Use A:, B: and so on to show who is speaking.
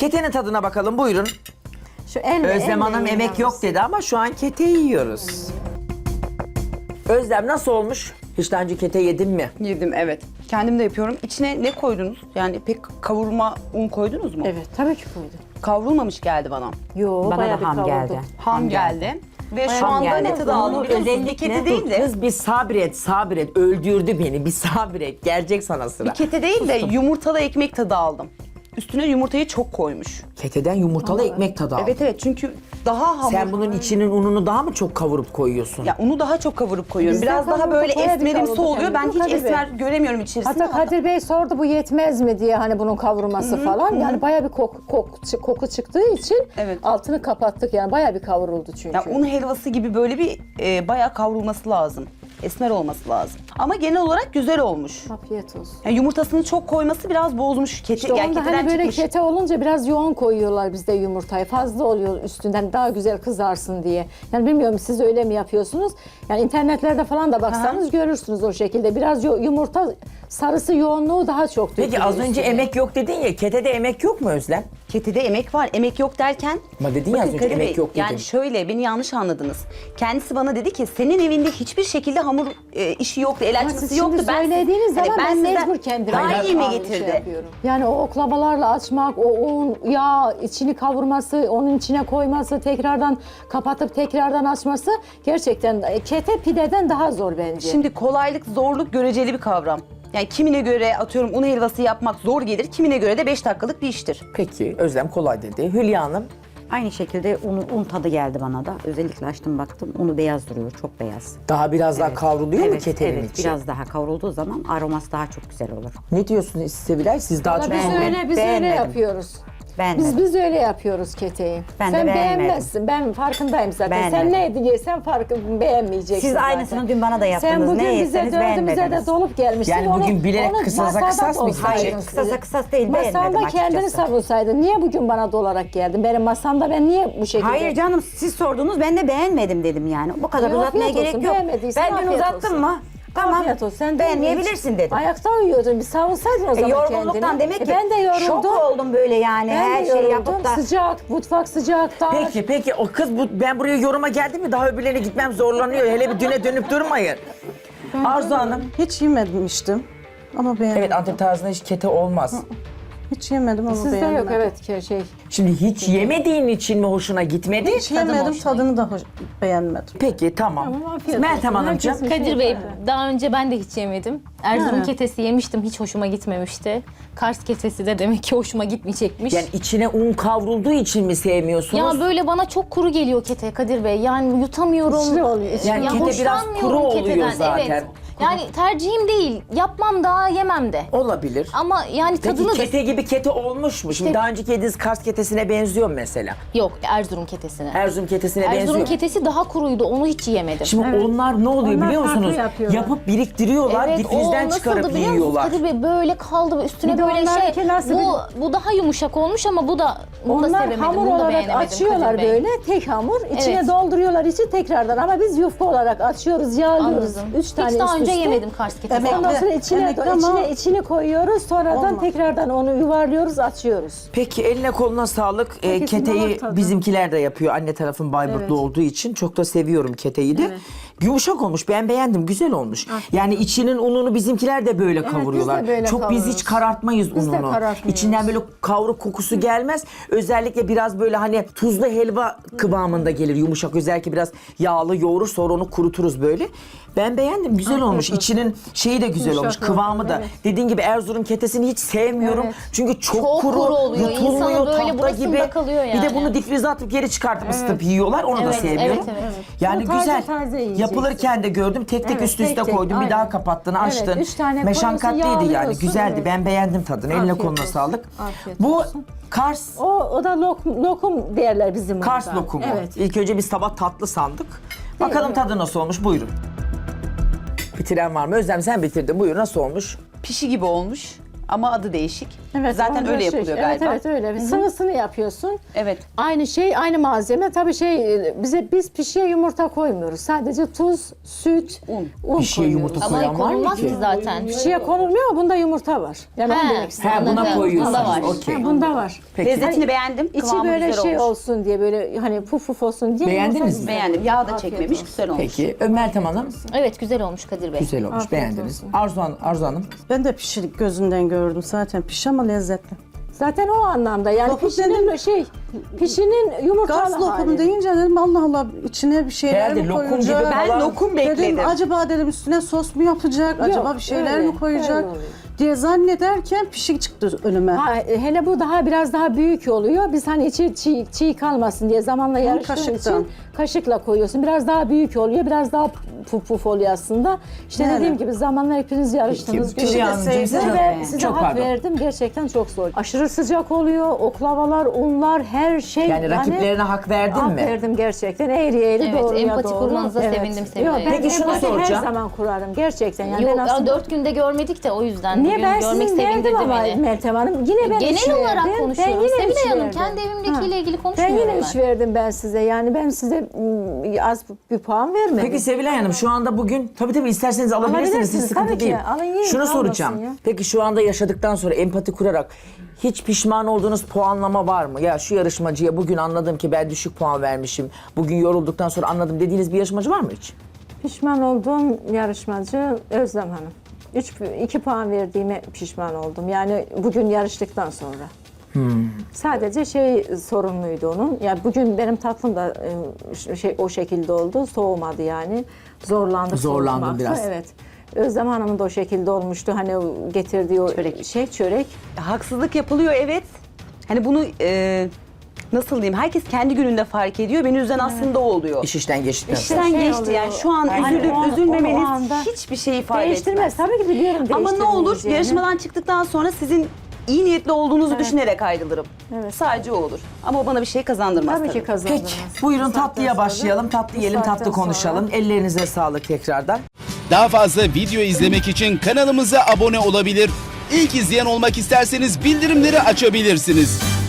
A: Ketenin tadına bakalım, buyurun.
B: Şu elle,
A: Özlem Hanım
B: yiyin
A: emek
B: yalnız.
A: yok dedi ama şu an kete yiyoruz. Özlem nasıl olmuş? Hiç daha önce kete yedin mi?
C: Yedim, evet. Kendim de yapıyorum. İçine ne koydunuz? Yani pek kavurma un koydunuz mu?
B: Evet, tabii ki koydum.
C: Kavrulmamış geldi bana.
B: Yo,
D: Bana
B: bayağı
D: da
B: bir
D: ham
B: kavurdum.
D: geldi.
C: Ham geldi. Ve şu
D: Ham
C: anda
D: geldi.
C: ne tadı aldım
D: Onu
C: biliyor musunuz? Bir
D: özellikle-
C: kete değil de.
A: Kız bir sabret. Öldürdü beni. Bir sabret. Gelecek sana sıra.
C: Bir kete değil de yumurtalı ekmek tadı aldım. Üstüne yumurtayı çok koymuş.
A: Keteden yumurtalı ekmek tadı al.
C: Evet çünkü daha hamur.
A: Sen bunun içinin ununu daha mı çok kavurup koyuyorsun?
C: Ya unu daha çok kavurup koyuyorum.
B: Biz de
C: Biraz daha
B: kavurduk,
C: böyle
B: bayağı bir
C: esmerimsi
B: kavurduk
C: oluyor.
B: yani.
C: Ben
B: Bu
C: hiç
B: Kadir Bey.
C: esmer göremiyorum içerisinde.
B: Hatta Kadir Bey sordu bu yetmez mi diye hani bunun kavurması falan. Yani bayağı bir koku çıktığı için
C: Evet.
B: altını kapattık yani bayağı bir kavruldu çünkü.
C: Ya un helvası gibi böyle bir bayağı kavrulması lazım. Esmer olması lazım. Ama genel olarak güzel olmuş.
B: Afiyet olsun.
C: Yani yumurtasını çok koyması biraz bozmuş.
B: İşte
C: Yani
B: onda
C: keteden
B: hani böyle
C: çıkmış.
B: kete olunca biraz yoğun koyuyorlar bizde yumurtayı. Fazla oluyor üstünden daha güzel kızarsın diye. Yani bilmiyorum siz öyle mi yapıyorsunuz? Yani internetlerde falan da baksanız görürsünüz o şekilde. Biraz yumurta sarısı yoğunluğu daha çok
A: Peki
B: dökülüyor
A: az önce
B: üstüne.
A: emek yok dedin ya. Ketede emek yok mu Özlem?
C: Ketede emek var. Emek yok derken...
A: Ama dedin ya az
C: Bakın
A: önce
C: Kadir Bey,
A: emek yok dedin.
C: Yani şöyle beni yanlış anladınız. Kendisi bana dedi ki senin evinde hiçbir şekilde hamur işi yoktu, el
B: Ama
C: açması
B: siz
C: yoktu.
B: şimdi söylediğiniz zaman ben
C: sizden
B: mecbur kendim
C: daha iyi mi
B: şey
C: getirdi?
B: yapıyorum. Yani o oklavalarla açmak, o un, yağ içini kavurması, onun içine koyması, tekrardan kapatıp tekrardan açması gerçekten kete pideden daha zor bence.
C: Şimdi kolaylık, zorluk göreceli bir kavram. Yani kimine göre atıyorum un helvası yapmak zor gelir, kimine göre de 5 dakikalık bir iştir.
A: Peki Özlem kolay dedi. Hülya Hanım
D: Aynı şekilde un tadı geldi bana da. Özellikle açtım baktım. Unu beyaz duruyor. Çok beyaz.
A: daha biraz daha kavruluyor mu
D: Evet,
A: ketenin
D: evet.
A: içi?
D: Biraz daha kavrulduğu zaman aroması daha çok güzel olur.
A: Ne diyorsunuz Sevilay? Siz daha çok...
B: biz öyle
D: beğenmedim.
B: yapıyoruz.
D: Beğenmedim.
B: Biz öyle yapıyoruz keteyi.
D: Ben de
B: Sen
D: beğenmedim.
B: beğenmezsin. Ben farkındayım zaten.
D: Beğenmedim.
B: Sen ne yediysen beğenmeyeceksin
D: Siz
B: zaten.
D: aynısını dün bana da yaptınız.
B: Sen bugün
D: Ne
B: bize
D: yeseniz
B: dördümüze de
D: beğenmediniz.
B: dolup gelmişsin.
A: Yani bugün bilerek kısasa
B: masada
A: kısas mı
B: dolsaydın
A: gidecek?
D: Hayır,
B: size.
D: kısasa kısas değil, beğenmedim
B: Masanda kendini
D: açıkçası.
B: savunsaydın. Niye bugün bana dolarak geldin? Benim masamda ben niye bu şekilde...
D: Hayır canım, siz sordunuz, ben de beğenmedim dedim yani. Bu kadar
B: Ya,
D: uzatmaya
B: afiyet
D: gerek
B: olsun,
D: yok.
B: beğenmediysen
D: Ben dün
B: afiyet
D: uzattım
B: olsun.
D: mı? Tamam.
B: Afiyet olsun. Sen
D: beğenmeyebilirsin dedim.
B: Ayakta uyuyordun. Bir savunsaydın o zaman
D: Yorgunluktan
B: kendini.
D: demek ki
B: Ben de yoruldum.
D: şok oldum böyle yani.
B: Ben
D: Her
B: de
D: şeyi
B: yoruldum.
D: yapıp da.
B: Sıcak, mutfak sıcak, dar.
A: Peki o kız ben buraya yoruma geldim mi daha öbürlerine gitmem zorlanıyor. Hele bir düne dönüp durmayın. Arzu Hanım.
E: Hiç yememiştim ama beğendim.
A: Evet Antep tarzında hiç kete olmaz.
E: Hiç yemedim ama
B: Sizde
E: beğendim.
B: yok evet şey.
A: Şimdi hiç yemediğin için mi hoşuna gitmedi?
E: Hiç yemedim, tadını da beğenmedim.
A: Peki tamam.
B: Tamam, afiyet
A: Meltem
B: olsun.
A: Hanımcığım.
B: Herkesin
F: Kadir Bey, daha önce ben de hiç yemedim. Erzurum ketesi yemiştim, hiç hoşuma gitmemişti. Kars ketesi de demek ki hoşuma gitmeyecekmiş.
A: Yani içine un kavrulduğu için mi sevmiyorsunuz?
F: Ya böyle bana çok kuru geliyor kete Kadir Bey. Yani yutamıyorum.
B: İçli oluyor, içli.
A: Yani
F: Ya
A: kete biraz
F: hoşlanmıyorum
A: kuru oluyor
F: keteden,
A: zaten.
F: Evet. Yani tercihim değil. Yapmam da yemem de.
A: Olabilir.
F: Ama yani
A: Peki
F: tadını da...
A: kete gibi kete olmuş mu? Şimdi
F: İşte-
A: daha önceki yediğiniz Kars ketesine benziyor mu mesela?
F: Yok, Erzurum ketesine.
A: Erzurum ketesine benziyor
F: Erzurum
A: mu?
F: ketesi daha kuruydu, onu hiç yiyemedim.
A: Şimdi onlar ne oluyor
B: Onlar
A: biliyor
B: farklı
A: musunuz?
B: yapıyorlar.
A: Yapıp biriktiriyorlar,
F: Evet,
A: difrizden
F: o
A: çıkarıp
F: nasıldı biliyor musunuz
A: yiyorlar.
F: Kadir Bey? Böyle kaldı üstüne
B: Bir de
F: böyle
B: onlarınki
F: şey.
B: nasıl
F: Bu daha yumuşak olmuş ama bunu da
B: Onlar
F: sevemedim,
B: hamur
F: bunu da
B: olarak
F: beğenemedim
B: açıyorlar
F: Kadir Bey.
B: böyle tek hamur. İçine
F: Evet.
B: dolduruyorlar içi tekrardan ama biz yufka olarak açıyoruz, yağlıyoruz.
F: Anladım.
B: 3 tane
F: Hiç daha
B: üst
F: önce
B: üste.
F: yemedim Kars ketesi.
B: Ondan sonra içine içini koyuyoruz. Sonradan
E: Olmaz.
B: tekrardan onu yuvarlıyoruz, açıyoruz.
A: Peki eline koluna sağlık.
B: Herkesin damak
A: Keteyi
B: tadı.
A: bizimkiler de yapıyor. Anne tarafım Bayburtlu
B: Evet.
A: olduğu için çok da seviyorum keteyi de. Yumuşak olmuş. Ben beğendim. Güzel olmuş. Yani içinin ununu bizimkiler de böyle kavuruyorlar.
B: biz de böyle
A: çok biz
B: kavuruyoruz.
A: hiç karartmayız
B: Biz de
A: ununu.
B: karartmıyoruz.
A: İçinden böyle kavruk kokusu gelmez. Özellikle biraz böyle hani tuzlu helva kıvamında gelir yumuşak. Özellikle biraz yağlı yoğurur sonra onu kuruturuz böyle. Ben beğendim. Güzel olmuş.
B: olsun.
A: İçinin şeyi de güzel olmuş.
B: Yumuşak
A: Kıvamı da.
B: evet.
A: Dediğin gibi Erzurum ketesini hiç sevmiyorum.
B: Evet.
A: Çünkü çok
F: Çok
A: kuru,
F: kuru oluyor.
A: yutulmuyor
F: İnsanın böyle
A: tahta
F: burasında
A: gibi.
F: kalıyor
A: Bir de
F: yani.
A: bunu difrize atıp geri çıkartıp ısıtıp yiyorlar. Onu da
F: Evet,
A: sevmiyorum.
F: evet, evet.
A: Yani
B: Bunu taze
A: güzel.
B: taze yiyeceksin.
A: Yapılırken de gördüm. Tek tek
B: Evet,
A: üst üste
B: tek tek,
A: koydun. Bir daha
B: aynen.
A: kapattın,
B: Evet,
A: açtın.
B: 3 tane
A: Meşakkatliydi
B: koyuyorsun,
A: yani.
B: yağlıyorsun,
A: Güzeldi.
B: evet.
A: Ben beğendim tadını. Eline
B: Afiyet
A: koluna
B: olsun.
A: sağlık.
B: Afiyet
A: Bu
B: olsun.
A: Kars
B: O da lokum derler bizim
A: Kars
B: burada.
A: lokumu.
B: Evet.
A: İlk önce bir sabah tatlı sandık. Bakalım
B: evet.
A: tadı nasıl olmuş? Buyurun. Bitiren var mı? Özlem sen bitirdin. Buyur nasıl olmuş?
C: Pişi gibi olmuş ama adı değişik.
B: Evet,
C: Zaten
B: orada
C: öyle yapılıyor galiba.
B: Evet öyle. Sıvısını yapıyorsun.
C: Evet.
B: Aynı şey, aynı malzeme. Tabii biz pişiye yumurta koymuyoruz. Sadece tuz, süt, un
A: Pişiye
B: koyuyoruz.
A: yumurta
F: Ama
A: koyan var mı
F: konulmaz
A: ki?
F: ki zaten.
B: Pişiye konulmuyor ama bunda yumurta var. Yani onu demek istedim.
A: He, buna
F: Anladım.
A: koyuyorsunuz.
F: Bunda var.
A: Okey.
B: Ha, bunda var.
A: Peki.
C: Lezzetini beğendim.
B: İçi
C: Kıvamı
B: böyle
C: güzel
B: şey
C: olmuş.
B: olsun diye böyle hani puf puf olsun diye.
A: Beğendiniz
B: yumurta-
A: mi?
C: Beğendim. Yağ da
B: Afiyet
C: çekmemiş.
B: olsun.
C: Güzel olmuş.
A: Peki Meltem Hanım
F: Evet güzel olmuş Kadir Bey.
A: güzel olmuş.
B: Afiyet
A: Beğendiniz.
B: olsun.
A: Arzu Hanım.
E: Ben de pişirik gözünden gördüm zaten. Piş ama lezzetli.
B: Zaten o anlamda yani
E: Lokum
B: pişinin yumurtalı
E: Gaz lokumu
B: hali.
E: deyince dedim Allah Allah içine bir şeyler
A: Herhalde
E: mi
A: lokum
E: koyacak?
A: gibi
C: Ben
A: falan.
C: lokum bekledim.
E: Dedim acaba dedim üstüne sos mu yapacak? Acaba bir şeyler
B: öyle,
E: mi koyacak?
B: öyle oluyor.
E: diye zannederken pişik çıktı önüme.
B: Hele bu biraz daha büyük oluyor. Biz hani içi çiğ kalmasın diye zamanla yarıştığın
E: kaşıktan.
B: için kaşıkla koyuyorsun. Biraz daha büyük oluyor. Biraz daha puf puf oluyor aslında. İşte
E: Yani.
B: dediğim gibi zamanla hepiniz yarıştınız.
A: Peki, Hülya Hanımcığım,
B: Size
A: size-
B: size
A: çok
B: hak
A: pardon.
B: verdim. Gerçekten çok zor. Aşırı sıcak oluyor. Oklavalar, unlar, her şey.
A: Yani rakiplerine hak verdin
B: hak
A: mi?
B: verdim gerçekten. Eğri eğri
F: Evet,
B: doğruya
F: empati
B: doğru.
F: kurmanıza sevindim Sevilay
B: Yok, ben
F: Hanım.
A: Peki şunu
B: empati
A: soracağım.
B: her zaman kurarım. Gerçekten. Yani
F: Yok
B: ben aslında...
F: 4 günde görmedik de o yüzden.
B: Niye
F: Bugün
B: ben
F: görmek
B: sizin verdim
F: sevindirdi
B: ama
F: beni.
B: Meltem Hanım. Yine ben iş
F: Genel olarak
B: verdim.
F: konuşuyorum.
B: Ben yine iş
F: Sevilay Hanım
B: verdim.
F: kendi evimdekiyle ilgili
B: Ben
F: konuşmuyorum
B: yine
F: ben.
B: iş verdim ben size. Yani ben size az bir puan vermedim.
A: Peki Sevilay Hanım şu anda bugün tabii isterseniz alabilirsiniz. Hiç
B: Alabilirsiniz,
A: sıkıntı
B: tabii ki.
A: değil.
B: Alın, yiyin,
A: Şunu
B: kalmasın
A: soracağım.
B: ya.
A: Peki şu anda yaşadıktan sonra empati kurarak hiç pişman olduğunuz puanlama var mı? Ya şu yarışmacıya bugün anladım ki ben düşük puan vermişim. Bugün yorulduktan sonra anladım dediğiniz bir yarışmacı var mı hiç?
B: Pişman olduğum yarışmacı Özlem Hanım. 2 puan verdiğime pişman oldum. Yani bugün yarıştıktan sonra. Sadece sorunluydu onun. Yani bugün benim tatlım da o şekilde oldu. Soğumadı yani. Zorlandım
A: Zorlandım biraz.
B: Evet. Özlem Hanım'ın da o şekilde olmuştu. Hani o getirdiği o çörek.
C: Haksızlık yapılıyor evet. Hani bunu nasıl diyeyim? Herkes kendi gününde fark ediyor. Beni üzen aslında o oluyor.
A: İş işten geçtikten sonra.
C: İşten
B: Şey
C: geçti
B: oluyor.
C: yani. Şu an
B: Yani
C: üzülüp
B: o an-
C: üzülmemeniz
B: o anda
C: hiçbir şey ifade
B: Değiştirmez.
C: etmez.
B: Tabii ki biliyorum
C: Ama ne olur
B: değiştirmeyeceğini.
C: yarışmadan çıktıktan sonra sizin iyi niyetli olduğunuzu düşünerek ayrılırım.
B: Evet.
C: Sadece o olur. Ama o bana bir şey kazandırmaz
B: Tabii ki kazandırmaz.
A: Peki buyurun
B: Bu saatten
A: tatlıya
B: sonra-
A: başlayalım. Tatlı
B: bu
A: yiyelim,
B: saatten
A: tatlı konuşalım. Ellerinize sağlık tekrardan.
G: Daha fazla video izlemek için kanalımıza abone olabilir. İlk izleyen olmak isterseniz bildirimleri açabilirsiniz.